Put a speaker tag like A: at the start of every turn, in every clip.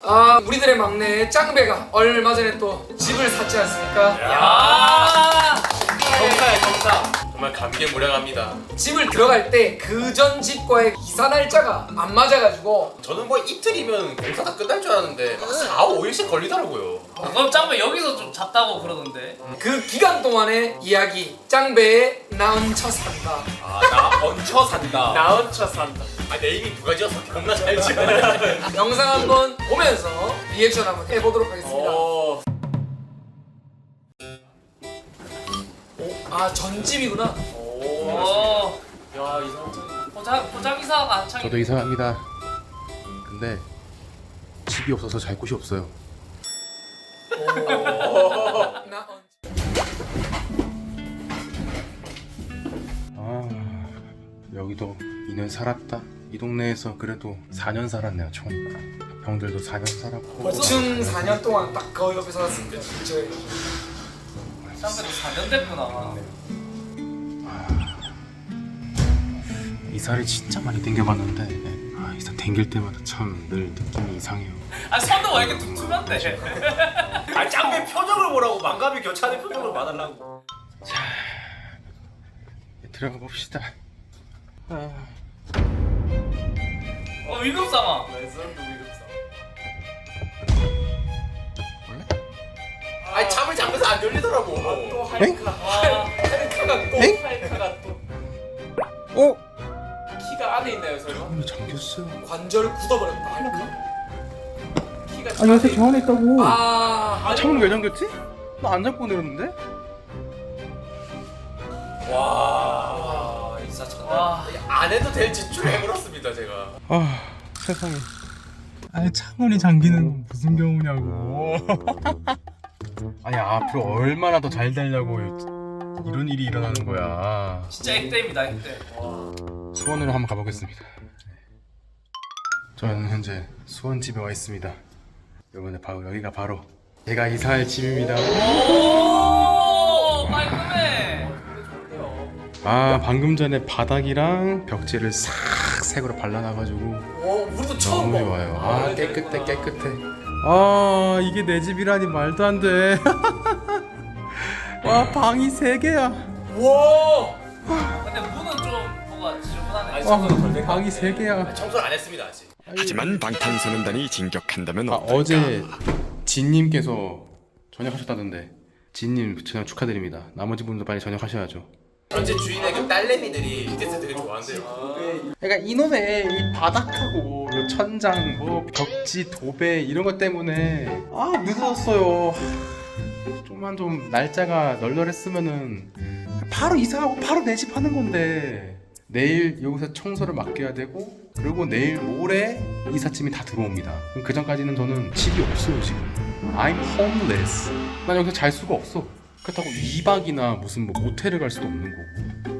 A: 우리들의 막내 짱배가 얼마 전에 또 집을 샀지 않습니까?
B: 야 경사야 경사. 정말 감개무량합니다.
A: 집을 들어갈 때 그 전 집과의 이사 날짜가 안 맞아가지고
B: 저는 뭐 이틀이면 공사 다 끝날 줄 알았는데 4, 5일씩 걸리더라고요.
C: 그럼 짱배 여기서 좀 잤다고 그러던데.
A: 그 기간 동안의 이야기 짱배의 나 얹혀 산다.
B: 나 얹혀 산다.
C: 나 얹혀 산다.
B: 내 이름이 누가 지어서 겁나 잘 지어.
A: 영상 한번 보면서 리액션 한번 해보도록 하겠습니다. 전집이구나.
C: 야 이상. 포장 이사가 한창.
D: 저도 이사합니다. 근데 집이 없어서 잘 곳이 없어요.
A: 나 얹혀.
D: 여기도 2년 살았다. 이 동네에서 그래도 4년 살았네요 총. 병들도 4년 살았고.
A: 보충 4년 동안 딱 거의 옆에 살았습니다. 저희.
C: 짱배도 4년 됐구나.
D: 이사를 진짜 많이 땡겨봤는데 이사 땡길 때마다 참 늘 느낌이 이상해요.
C: 손도 왜 이렇게 툭툭한데?
B: 짱배 표정을 보라고 만감이 교차하는 표정을 봐달라고.
D: 자, 들어가 봅시다.
C: 위급상황.
B: 잠을 잠에서 안 열리더라고.
A: 또 할카가 또
D: 엥?
A: 할카가 또
D: 어?
C: 키가 안에 있나요 설마?
D: 문이 잠겼어요.
A: 관절을 굳어버렸다 할카.
C: 키가
D: 아니 요새 저 안에 있다고. 창문 왜 잠겼지? 나 안 잠고 내렸는데?
B: 와 인사 쳤다. 안 해도 될 지출을 해버렸습니다 제가.
D: 세상에. 아니 창문이 잠기는 건 무슨 경우냐고. 아니 앞으로 얼마나 더 잘 되려고 이런 일이 일어나는 거야.
C: 진짜 액땜이다 액땜.
D: 수원으로 한번 가보겠습니다. 저는 현재 수원집에 와 있습니다. 여러분들 바로 여기가 바로 제가 이사할 집입니다.
C: 오 깔끔해.
D: 방금 전에 바닥이랑 벽지를 싹 색으로 발라놔가지고
A: 우리도 처음
D: 너무
A: 봐.
D: 좋아요. 깨끗해. 이게 내 집이라니 말도 안 돼. 와 방이 3개야.
A: 와.
C: 근데 문은 좀 뭔가 지저분하네.
D: 방이 3개야.
B: 청소를 안 했습니다 아직.
E: 하지만 방탄소년단이 진격한다면
D: 어제 진님께서 전역하셨다던데 진님 전역 축하드립니다. 나머지 분도 빨리 전역하셔야죠.
B: 현재 주인의 그 딸내미들이 BTS 되게 좋아한대요.
D: 그러니까 이놈의 이 바닥하고 요 천장 뭐 벽지 도배 이런 것 때문에 늦어졌어요. 좀만 좀 날짜가 널널했으면은 바로 이사하고 바로 내 집 하는 건데 내일 여기서 청소를 맡겨야 되고 그리고 내일 모레 이삿짐이 다 들어옵니다. 그럼 그 전까지는 저는 집이 없어요 지금. I'm homeless. 난 여기서 잘 수가 없어. 그렇다고 2박이나 무슨 뭐 모텔을 갈 수도 없는 거고.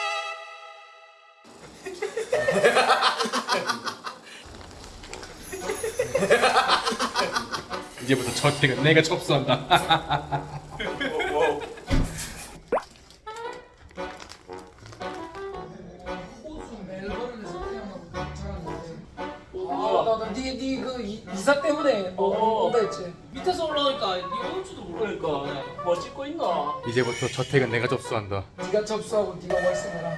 D: 이제부터 저택은 내가 접수한다.
A: 그 이사 때문에 온다 했지.
C: 밑에서 올라오니까 이거 올 줄도 모르니까 뭐 찍고 있나?
D: 이제부터 저택은 내가 접수한다.
A: 네가 접수하고 네가 월세 내라.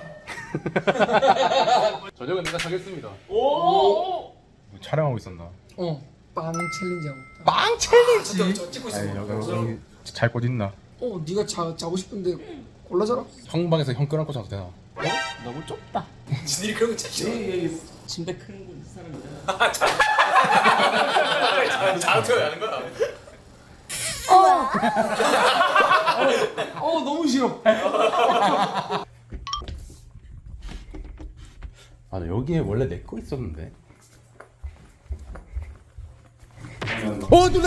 D: 저녁은 내가 사겠습니다.
C: 오.
D: 촬영하고 있었나?
A: 빵 챌린지 하고 있다.
D: 빵 챌린지.
A: 저 찍고 있어.
D: 여기 잘 곳 있나?
A: 네가 자고 싶은데 골라줘라.
D: 형 방에서 형 껴안고 자도 되나?
C: 너무 좁다.
A: 니들이 그런 거 진짜 싫어.
C: 침대 큰 거 이 사람이야.
B: 장투를 하는 거야.
A: 너무 싫어.
D: 나 여기에 원래 내 거 있었는데. 누나!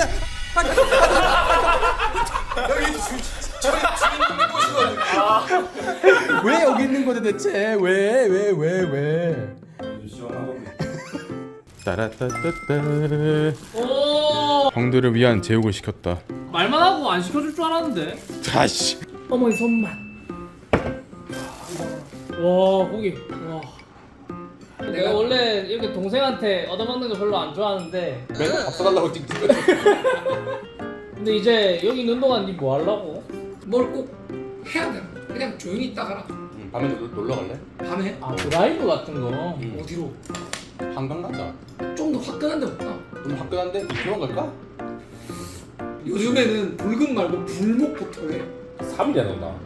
A: 여기 저희 주인 곳이거든.
D: 왜 여기 있는 거지 대체? 왜? 따라따따따. 형들을 위한 제육을 시켰다.
C: 말만 하고 안 시켜줄 줄 알았는데.
D: 다시.
A: 어머니 손만.
C: 와 고기. 와. 내가 원래 이렇게 동생한테 얻어먹는 거 별로 안 좋아하는데
D: 맨날 밥 사달라고 찍는 거지.
C: 근데 이제 여기 있는 동안 니 뭐 하려고?
A: 뭘 꼭 해야 돼. 그냥 조용히 있다 가라.
D: 밤에 놀러 갈래?
A: 밤에
C: 아 드라이브 같은 거.
A: 어디로?
D: 한강 가자.
A: 좀 더 화끈한 데 볼까?
D: 좀 화끈한데 이태원 갈까?
A: 요즘에는 붉은 말고 불목부터 해.
D: 3일이야 나.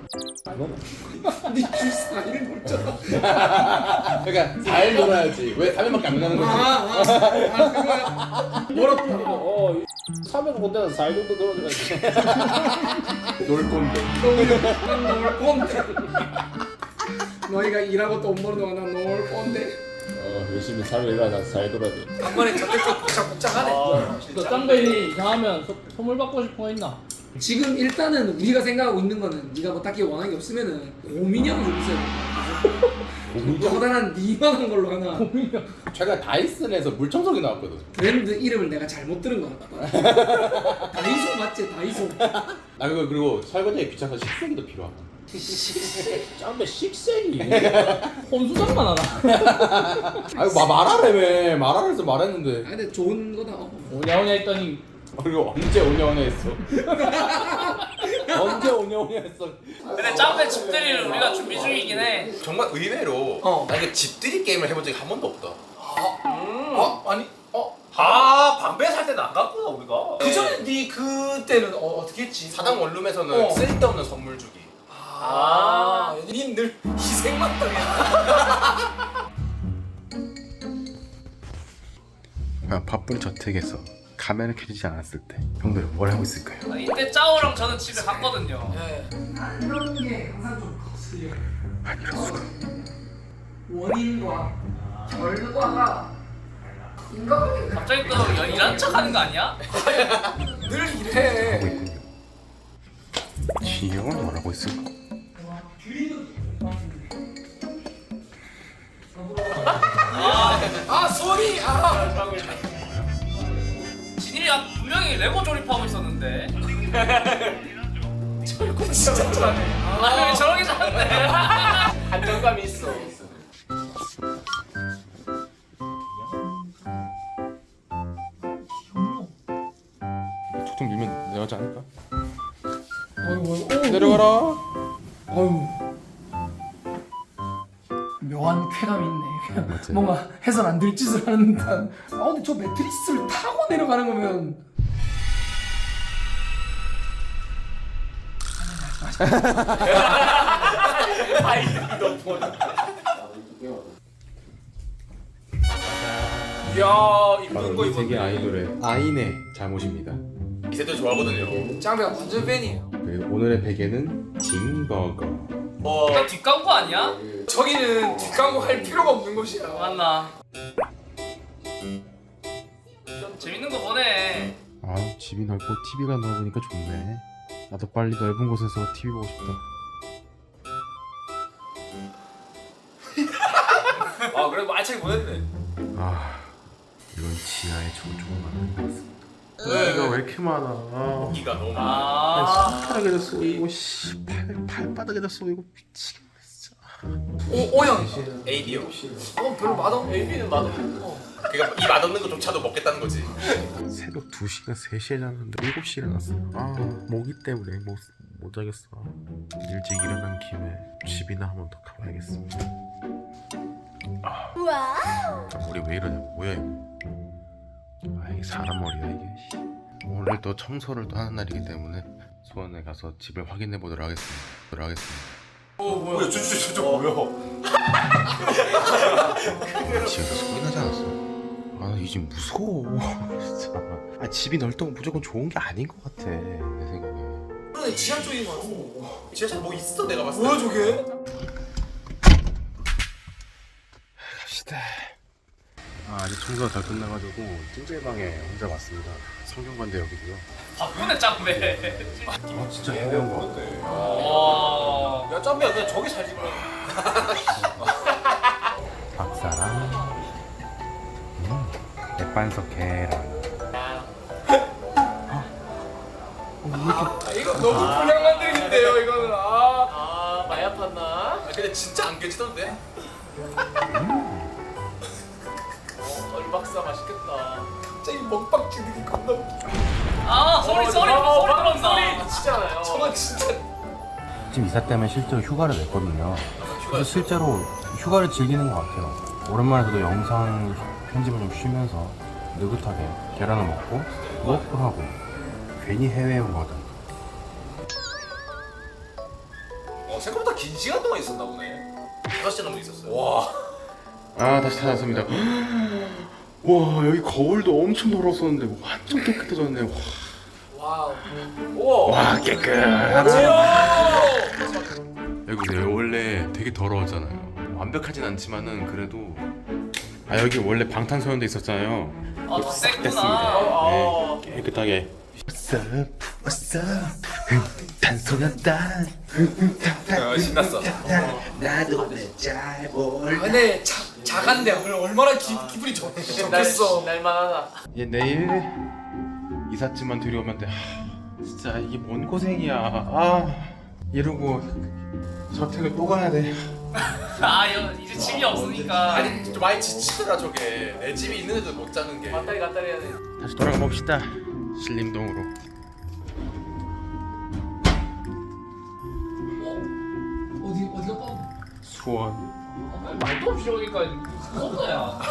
A: 니줄 4일 놀잖아.
D: 그러니까 4일 놀아야지. 왜 3일밖에 안 놀는 거지?
A: 그거야. 멀었다.
C: 300군데는 4일 정도 들어줘야지.
D: 놀 건데.
A: 놀 건데. 너희가 일하고 돈 버는 동안 난 놀 건데.
C: 열심히 살을 일하다 4일 돌아야 돼.
A: 한 번에 저택도 복잡복잡하네.
C: 너 짱배이 이상하면 선물 받고 싶은 거 있나?
A: 지금 일단은 우리가 생각하고 있는 거는 네가 뭐 딱히 원하는 게 없으면은 고민형이 좀 있어야 돼. 커다란 니만한 걸로 하나.
D: 제가 다이슨에서 물청소기 나왔거든.
A: 브랜드 이름을 내가 잘못 들은 것 같다. 다이소 맞지? 다이소.
D: 나 그거 그리고 설거지에 귀찮아서 식세기도 필요하고.
C: 짱배 식색이 혼수장만 하나?
D: 아이고 말하라며. 말하라서 말했는데.
A: 아 근데 좋은 거다.
C: 오냐오냐 했더니
D: 그리고 언제 오냐오냐 했어. 언제 오냐오냐 했어.
C: 근데 짱배 집들이를 우리가 준비 중이긴 해.
B: 정말 의외로 나 이게 집들이 게임을 해본 적이 한 번도 없다. 방배 살 때는 안 갔구나 우리가.
A: 그전에 네 그때는 어떻게 했지?
B: 사당 원룸에서는 쓸데없는 선물 주기.
A: 니늘 희생만 당해.
D: 바쁜 저택에서 카메라 켜지지 않았을 때 형들은 뭘 하고 있을까요?
C: 이때 짜오랑 저는 집에 갔거든요.
A: 이런 게 항상 좀 거슬려.
D: 이럴 수가.
A: 원인과 결과가 인간관계
C: 갑자기 또 일한 척 하는 거 아니야?
A: 늘
D: 하고
A: 이래.
D: 있군요. 지영은 뭘 하고 있을까?
A: 소리.
C: 진일이가 분명히 레고 조립하고 있었는데.
A: 절구 진짜 잘하네.
C: 아, 저렇게 잘하네.
A: 안정감이 있어.
D: 툭툭 밀면 내려가지 않을까?
A: 어이구,
D: 내려가라.
A: 어이구. 묘한 쾌감이 있네. 그냥
D: 맞지?
A: 뭔가 해선 안 될 짓을 하는 듯한. 근데 저 매트리스를 타고 내려가는 거면
B: 이야
D: 바로
B: 입는 거
D: 이 세계
B: 입었네.
D: 아이돌의 아인의 잘못입니다.
B: 이 세대 좋아하거든요.
A: 짱배가 완전 팬이에요.
D: 그리고 오늘의 베개는 징버거.
C: 이거 뒷광고 아니야?
A: 저기는 뒷광고 할 필요가 없는 곳이야.
C: 맞나? 재밌는 거 보네.
D: 아 집이 넓고 TV가 넓으니까 좋네. 나도 빨리 넓은 곳에서 TV 보고 싶다.
B: 그래도 알차게 보냈네.
D: 아 이건 지하의 조종만 것 같습니다. 여기가 왜 이렇게 많아?
B: 고기가 너무 많아.
D: 손가락에도 쏘이고 발바닥에도 쏘이고 미치겠네 진짜.
A: 오형.
B: AB요.
A: 별로 맛없네.
C: AB는 맛없고.
B: 그러니까 이 맛없는 거조차도 먹겠다는 거지.
D: 새벽 2시간 3시에 잤는데 7시에 일어났어. 아 모기 때문에 못 자겠어. 일찍 일어난 김에 집이나 한 번 더 가봐야겠습니다. 머리 왜 이러냐? 뭐야 이거? 아 이게 사람 머리야 이게. 오늘 또 청소를 또 하는 날이기 때문에 소원에 가서 집을 확인해 보도록 하겠습니다.
B: 뭐야 진짜 뭐야?
D: 집에서 소리 나지 않았어? 아 이 집 무서워 진짜. 아 집이 넓다고 무조건 좋은 게 아닌 것 같아 내 생각에.
A: 그런데 지하 쪽인 거 같아.
B: 지하철 뭐 있어 내가 봤을 때.
A: 뭐야 저게?
D: 갑시다. 아직 청소가 다 끝나가지고 찜질방에 혼자 왔습니다. 성경관대 여기고요.
C: 바쁘네 짱배.
D: 아 진짜 해변 것 같아.
C: 와.
B: 야 짬비야 그냥 저기 살지 뭐.
D: 박사랑 맥반석 계란.
A: 이거 너무 불량한 드립인데요 이거는.
C: 많이 아팠나?
B: 근데 진짜 안 깨지던데?
C: 닭가슴살 맛있겠다.
B: 갑자기 먹방 찍는 게 겁나 웃겨.
C: 아 소리 들었나?
B: 진짜요. 저는 진짜.
D: 지금 이사 때문에 실제로 휴가를 냈거든요. 그래서 실제로 휴가를 즐기는 것 같아요. 오랜만에 저도 영상 편집을 좀 쉬면서 느긋하게 계란을 먹고 워크하고 괜히 해외에 온 거다.
B: 생각보다 긴 시간 동안 있었나 보네. 5시간 넘게 있었어요. 와.
D: 아 다시 찾았습니다. 와 여기 거울도 엄청 더러웠었는데 완전 깨끗해졌네.
B: 와우. 우와.
D: 와 깨끗하다. 여기 보세요. 원래 되게 더러웠잖아요. 완벽하진 않지만은 그래도 여기 원래 방탄소년단 있었잖아요.
C: 아, 더
D: 됐습니다.
C: 셌구나.
D: 네, 깨끗하게. What's up? 방탄소년단.
B: 신났어.
D: 나도 내잘 몰라.
A: 근데 자간데 얼마나 기분이 좋겠어.
C: 날만하다.
D: 얘 내일 이삿짐만 들여오면 돼. 진짜 이게 뭔 고생이야. 이러고 저택을 또 가야 돼.
C: 이제 집이 없으니까.
B: 아니 좀 많이 지치더라 저게. 내 집이 있는데도 못 자는 게.
C: 갔다리 해야 돼.
D: 다시 돌아가 봅시다. 신림동으로.
A: 어디가 빠?
D: 수원.
C: 말도 없이 오니까 겁나야.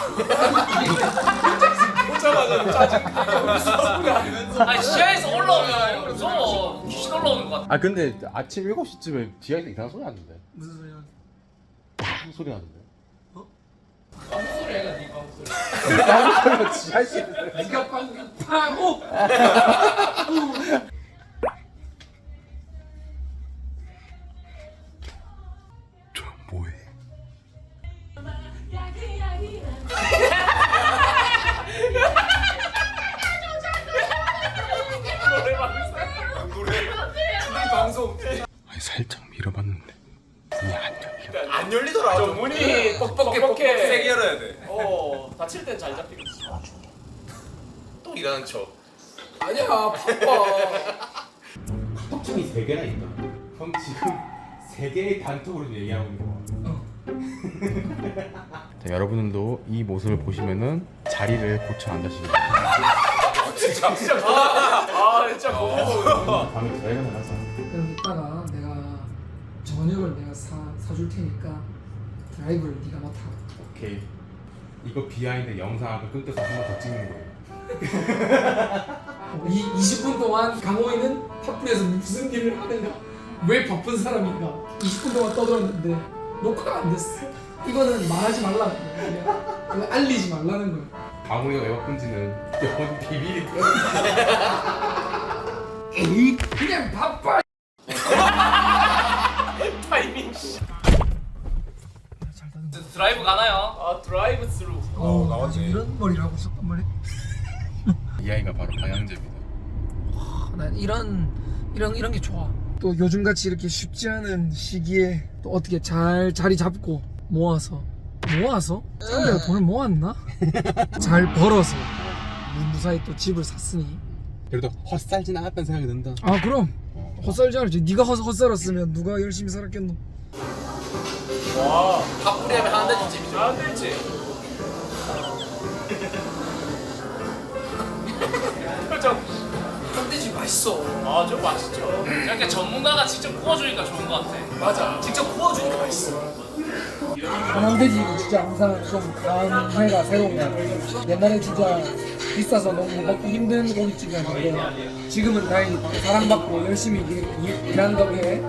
B: 오자마자 짜증.
C: 아니 지하에서 올라오면 무서워. 귀신 올라오는 것 같아.
D: 근데 아침 7시쯤에 지하에서 이상한 소리 나는데.
A: 무슨 소리야?
D: 무슨 소리 나는데?
C: 아무 소리 해가 네 방금 소리.
D: 지하에서.
A: 네가 방금 파고.
D: 저 뭐해?
B: 노래. 이 방송.
D: 아니 살짝 밀어봤는데 문이 안 열려.
B: 안 열리더라. 저 문이 뻑뻑해. 세게 열어야 돼.
C: 다칠 땐 잘 잡히겠어.
B: 또 일하는 척.
A: 아니야 바빠.
D: 턱통이 3개나 있다. 형 지금 3개의 단톡으로 얘기하고 있는 거. 자, 여러분들도 이 모습을 보시면은 자리를 고쳐 앉으시기 바랍니다.
B: 진짜.
C: 진짜 고마워.
D: 다음에 저희가 나가서
A: 그럼 이따가 내가 저녁을 내가 사줄 테니까 드라이브를 네가 맡아.
D: 오케이. 이거 비하인드 영상 아까 끊겨서 한 번 더 찍는 거예요.
A: 이 20분 동안 강호이는 팝플에서 무슨 일을 하는가? 왜 바쁜 사람인가? 20분 동안 떠들었는데 녹화가 안 됐어. 이거는 말하지 말라는 거야. 그냥 알리지 말라는 거야.
D: 강호이가 왜 바쁜지는 영원 비밀이 돼.
A: 에이 그냥 바빠.
C: 타이밍. 드라이브 가나요? 드라이브 스루.
B: 나왔지.
A: 이런 머리를 하고 있었단 말이야.
D: 이 아이가 바로 방향제입니다.
A: 난 이런 게 좋아. 또 요즘같이 이렇게 쉽지 않은 시기에 또 어떻게 잘 자리 잡고 모아서 짱배가 돈을 모았나? 잘 벌어서 무사히 또 집을 샀으니.
D: 그래도 헛살진 않았다는 생각이 든다.
A: 아 그럼 헛살지 않았지. 네가 헛살았으면 누가 열심히 살았겠노.
B: 와. 팝뿌리하면 하나 되지 집이죠.
C: 안 되지. 표정.
A: 흑돼지 맛있어.
C: 좀 맛있죠. 약간 전문가가 직접 구워주니까 좋은 것 같아.
B: 맞아. 직접 구워주니까 맛있어.
A: 한항돼지 진짜 항상 좀 감회가 새로운 거 같아. 옛날에 진짜 비싸서 너무 먹기 힘든 고깃집이었는데 지금은 다행히 사랑받고 열심히 일하는 덕에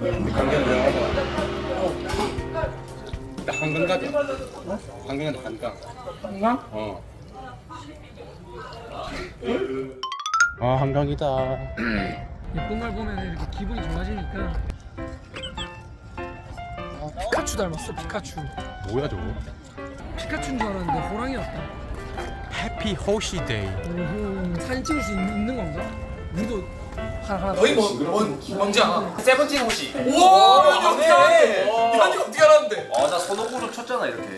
D: 나 한강 가자. 한강 가자 한강.
A: 한강?
D: 어. 아 한강이다.
A: 예쁜 걸 보면 이렇게 기분이 좋아지니까. 피카츄 닮았어. 피카츄.
D: 뭐야 저거?
A: 피카츄인 줄 알았는데 호랑이였다.
D: 해피 호시데이.
A: 사진 찍을 수 있는 건가? 우리도 하나
B: 너희 뭔지 알아? 세븐틴 호시.
A: 우와 이거 어떻게 알았대?
B: 이현이 어떻게 알았는데? 나 손오공도 쳤잖아 이렇게.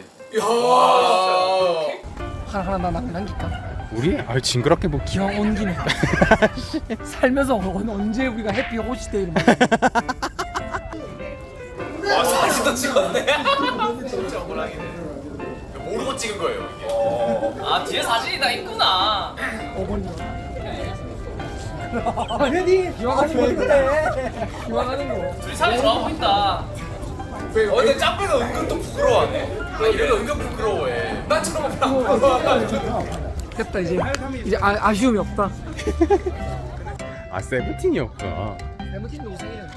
A: 하나 남길까?
D: 우리? 아 징그럽게 뭐
A: 기왕 온 김에 살면서 언제 우리가 해피 호시데이를
B: 와 사진도 찍었네. 진짜 호랑이네. 모르고 찍은 거예요 이게.
C: 아 뒤에 사진이 다 있구나.
A: 당연히 기왕하는 건데. 기왕하는 거.
C: 둘이 사이 좋아 보인다.
B: 근데 짱배가 은근 또 부끄러워하네. 아 이래가 은근 부끄러워해. 나처럼
A: 됐다 이제 아쉬움이 없다.
D: 아 세븐틴이었구나.
A: 세븐틴도 우승이야.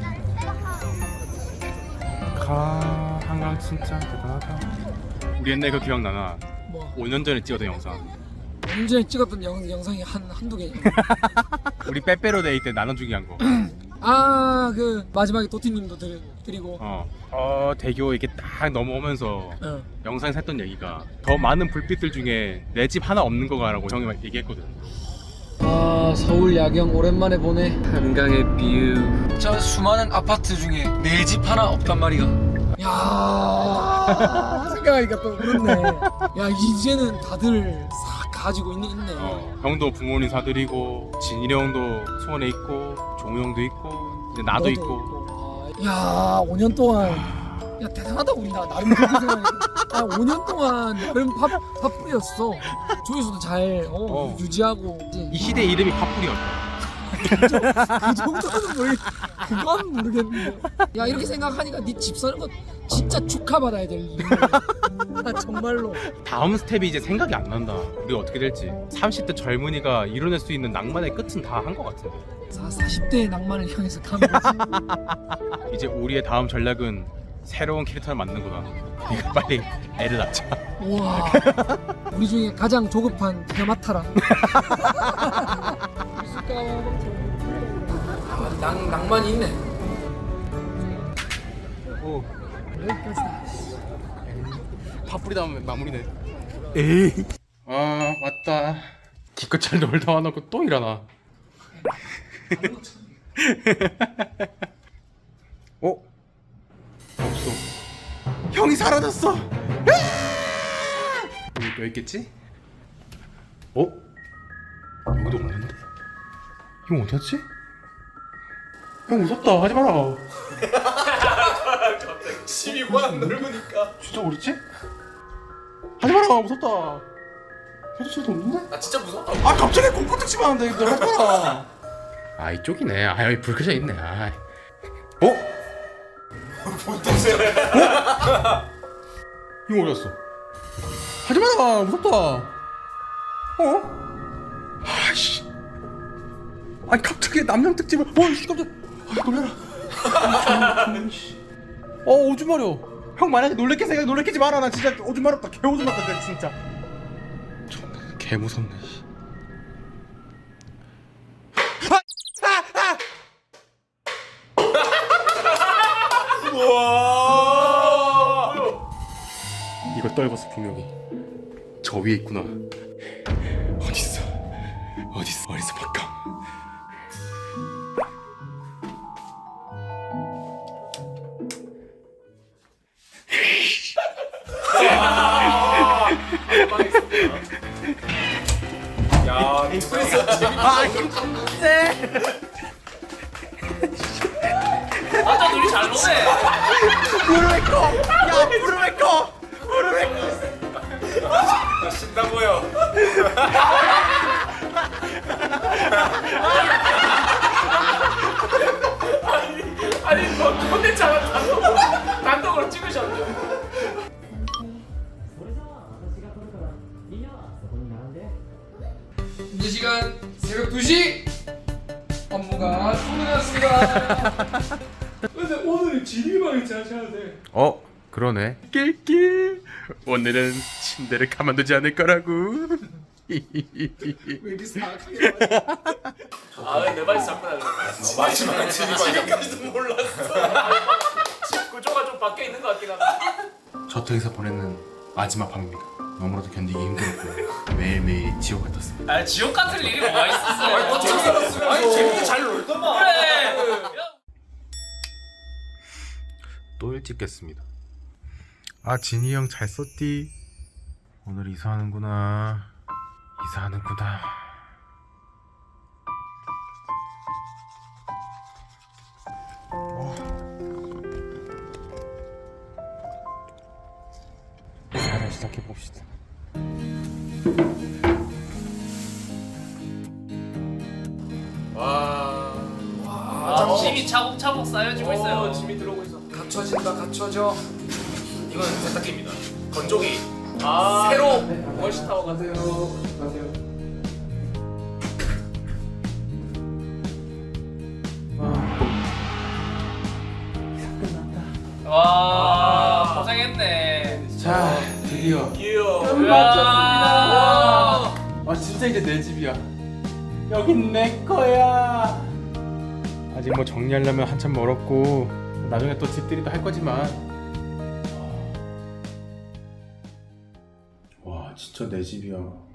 D: 한강 진짜 대단하다. 우리 옛날 그 기억나나?
A: 뭐
D: 5년 전에 찍었던 영상.
A: 문전에 찍었던 영상이 한두 개.
D: 우리 빼빼로 데이 때 나눠주기 한 거.
A: 아 그 마지막에 도티님도 드리고.
D: 대교 이렇게 딱 넘어오면서
A: 어.
D: 영상에서 했던 얘기가 더 많은 불빛들 중에 내 집 하나 없는 거가라고 형이 막 얘기했거든.
A: 아 서울 야경 오랜만에 보네.
D: 한강의 뷰.
A: 저 수많은 아파트 중에 내 집 하나 없단 말이야. 야 생각하니까 또 그렇네. 야 이제는 다들 싹 가지고 있네.
D: 형도 부모님 사드리고 진일이 형도 수원에 있고 종우 형도 있고 이제 나도 있고.
A: 야 5년 동안 야 대단하다 우리 나름 그렇게 생각해. 야 5년 동안 나름 팝뿌리였어. 조회수도 잘 유지하고 이제
D: 이 시대 이름이 팝뿌리였다.
A: 그 정도는 그건 모르겠는데. 야 이렇게 생각하니까 네 집 사는 거 진짜 축하받아야 될 일이야. 나 정말로.
D: 다음 스텝이 이제 생각이 안 난다. 우리가 어떻게 될지. 30대 젊은이가 이뤄낼 수 있는 낭만의 끝은 다 한 것 같은데.
A: 40대의 낭만을 향해서 가는 거지.
D: 이제 우리의 다음 전략은 새로운 캐릭터를 만드는 거다. 네가 빨리 애를 낳자.
A: 우와 우리 중에 가장 조급한 네가 맡아라. 낭만이 있네.
D: 오.
A: 여기까지다.
D: 팝뿌리 다음에 마무리네. 에이. 아 맞다. 기껏 잘 놀다 와놓고 또 일하나. 없어. 형이 사라졌어. 여기 또 있겠지? 여기도 없는데? 형 어디 갔지? 형 무섭다. 하지 마라.
B: 심이 워낙 넓으니까.
D: 진짜 어딨지? 하지 마라. 무섭다. 해주실도 없는데?
B: 나 진짜 무섭다.
D: 아 갑자기 공포특 치면 안 돼. 너 하지 마라. 아 이쪽이네. 아 여기 불 켜져 있네. 아. 이거 어디 갔어? 하지 마라. 무섭다. 아씨. 아니 갑자기 남양 특집을. 씨 깜짝. 놀래라. 오줌 마려. 형 만약에 놀래킬 생각 놀래키지 마라. 나 진짜 오줌 마렵다. 개 오줌 마렵다 진짜. 개 무섭네.
B: 와.
D: 이거 떨궜어 분명히. 저 위에 있구나. 어딨어 바꿔.
B: 야, 익스프레스 재밌다.
C: 아저 둘이 잘 노네.
B: 신나 보여.
C: 아니 너 콘텐츠 하나 단독으로 찍으셨죠?
A: 현재 시간 새벽 2시 업무가 끝났습니다. 근데 오늘은 진일방에 자셔야 돼.
D: 그러네. 낄낄. 오늘은 침대를 가만두지 않을 거라고.
A: 왜 이렇게 사악하게
C: 아내 발이 자꾸 나네.
B: 마지막에 지금까지도 몰랐어.
C: 집 구조가 좀 바뀌어 있는 것 같긴 하다.
D: 저택에서 보내는 마지막 밤입니다. 너무나도 견디기 힘들었고 매일매일 지옥 같았습니다.
C: 아 지옥 같은 일이 뭐가 있었어?
B: 아니 재밌게 잘 놀더만.
C: 그래.
D: 또 일찍 깼습니다. 아 진이 형 잘 썼디. 오늘 이사하는구나. 이사를 시작해 봅시다.
C: 짐이 차곡차곡 쌓여지고 있어요.
B: 짐이 들어오고 있어.
A: 갖춰진다 갖춰져.
B: 이건 세탁기입니다. 건조기.
A: 새로
B: 월시타워 가세요.
C: 와 고생했네.
D: 자, 드디어
C: 와.
D: 아 진짜 이제 내 집이야. 여긴 내 거야. 아직 뭐 정리하려면 한참 멀었고 나중에 또 집들이 또 할 거지만 와 진짜 내 집이야.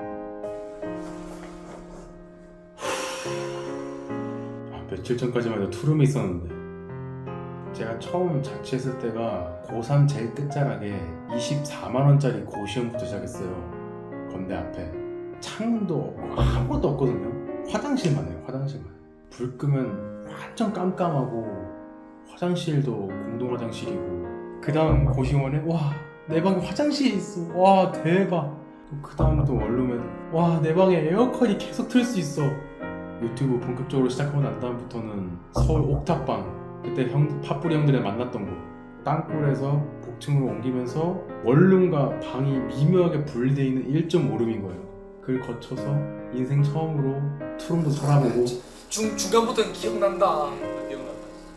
D: 며칠 전까지만 해도 투룸이 있었는데 제가 처음 자취했을 때가 고3 제일 끝자락에 24만원짜리 고시원부터 시작했어요. 건대 앞에 창문도 없고 아무것도 없거든요. 화장실만 해요. 화장실만. 불 끄면 완전 깜깜하고 화장실도 공동 화장실이고 그 다음 고시원에 와 내 방에 화장실이 있어. 와 대박. 그 다음 또 원룸에 와 내 방에 에어컨이 계속 틀 수 있어. 유튜브 본격적으로 시작하고 난 다음부터는 서울 옥탑방 그때 팥뿌리 형들이랑 만났던 곳 땅굴에서 복층으로 옮기면서 원룸과 방이 미묘하게 분리되어 있는 1.5룸인 거예요. 그걸 거쳐서 인생 처음으로 투룸도 살아보고
A: 중간부터는 기억난다.
B: 기억난다.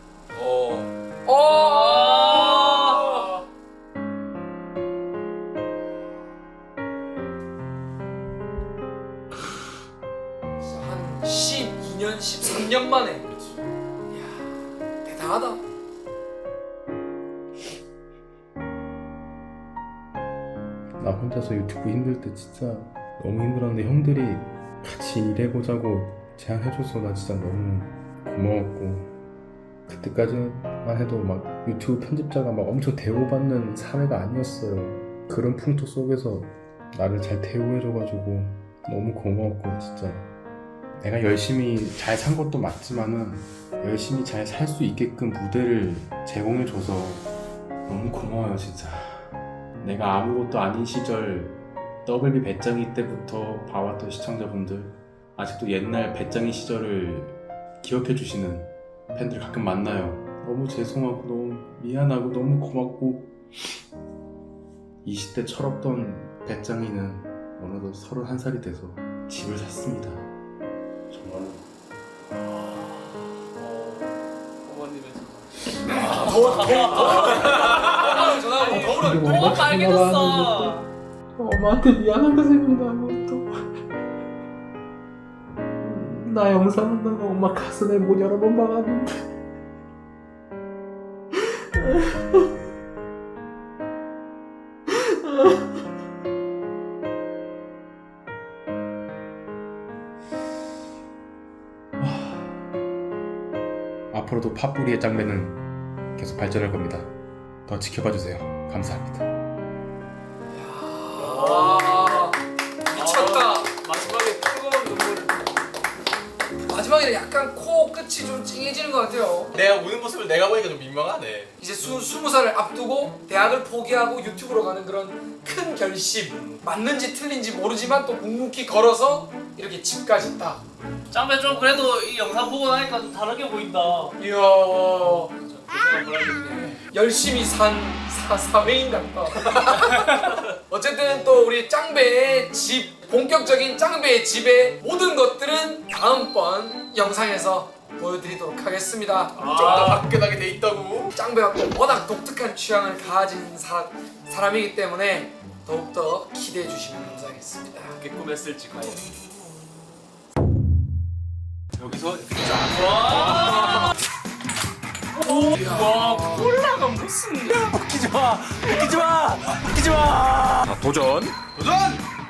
A: 한 12년, 13년 만에. 이야, 대단하다.
D: 나 혼자서 유튜브 힘들 때 진짜 너무 힘들었는데 형들이 같이 일해보자고 제안해줘서 나 진짜 너무 고마웠고 그때까지만 해도 막 유튜브 편집자가 막 엄청 대우받는 사회가 아니었어요. 그런 풍토 속에서 나를 잘 대우해줘가지고 너무 고마웠고 진짜 내가 열심히 잘 산 것도 맞지만은 열심히 잘 살 수 있게끔 무대를 제공해줘서 너무 고마워요 진짜. 내가 아무것도 아닌 시절 더블비 배짱이 때부터 봐왔던 시청자분들 아직도 옛날 배짱이 시절을 기억해주시는 팬들 가끔 만나요. 너무 죄송하고 너무 미안하고 너무 고맙고 20대 철없던 배짱이는 어느덧 31살이 돼서 집을 샀습니다. 정말로
C: 뭐가 빨개졌어.
D: 엄마한테 미안한 거 생각나고 또 나 영상 한다고 엄마 가슴에 못 여러 번 박았는데 앞으로도 팥뿌리의 짱배는 계속 발전할 겁니다. 더 지켜봐주세요. 감사합니다.
A: 와, 미쳤다.
B: 마지막에 뜨거운 눈물.
A: 마지막에 약간 코 끝이 좀 찡해지는 것 같아요.
B: 내가 우는 모습을 내가 보니까 좀 민망하네.
A: 이제 20살을 앞두고 대학을 포기하고 유튜브로 가는 그런 큰 결심. 맞는지 틀린지 모르지만 또 묵묵히 걸어서 이렇게 집까지 딱.
C: 짱배 좀 그래도 이 영상 보고 나니까 좀 다르게 보인다.
A: 이야,
C: 고생을 몰라겠네.
A: 열심히 산 사회인 같다. 어쨌든 또 우리 짱배의 집, 본격적인 짱배의 집의 모든 것들은 다음번 영상에서 보여드리도록 하겠습니다.
B: 좀 더 화끈하게 돼 있다고.
A: 짱배가 또 워낙 독특한 취향을 가진 사람이기 때문에 더욱더 기대해 주시면 감사하겠습니다.
B: 어떻게 꾸몄을지 과연.
D: 여기서
C: 와 콜라가 무슨?
E: 도전!
B: 도전!